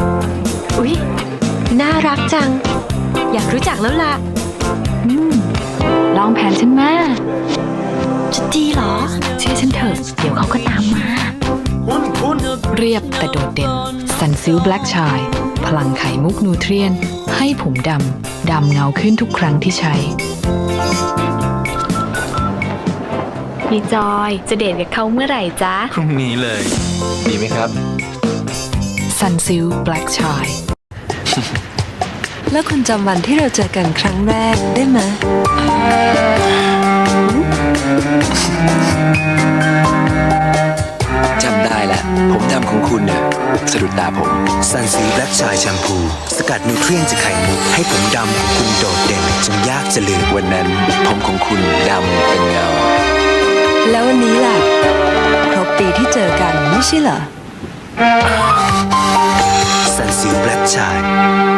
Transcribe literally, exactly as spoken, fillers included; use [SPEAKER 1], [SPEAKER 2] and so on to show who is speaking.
[SPEAKER 1] อุ๊ยน่ารักจังอยากรู้จักแล้วล่ะ
[SPEAKER 2] อืมลองแผนฉันมา
[SPEAKER 1] จะดีเหรอ
[SPEAKER 2] เชื่อฉันเถอะเดี๋ยวเขาก็ตามมา
[SPEAKER 3] คุณคุณ
[SPEAKER 2] เรียบแต่โดดเด่นซันซิลแบล็กชายพลังไข่มุกนูเทรียนให้ผมดำดำเงาขึ้นทุกครั้งที่ใช้พี่จอยจะเดทกับเขาเมื่อไหร่จ๊ะ
[SPEAKER 3] พรุ่งนี้เลย ดีไหมครับ
[SPEAKER 2] ซันซิลแบล็กชาย
[SPEAKER 4] แล้วคุณจำวันที่เราเจอกันครั้งแรกได้ไหม
[SPEAKER 5] จำได้แหละผมดำของคุณน่ะสะดุดตาผมซันซีแบล็กชายแชมพูสกัดนิวเทรียนจากไข่มุกให้ผมดำของคุณโดดเด่นจนยากจะลืมวันนั้นผมของคุณดำเป็นเงา
[SPEAKER 4] แล้ววันนี้ล่ะครบปีที่เจอกันไม่ใช่เหรอ
[SPEAKER 5] ซันซีแบล็กชาย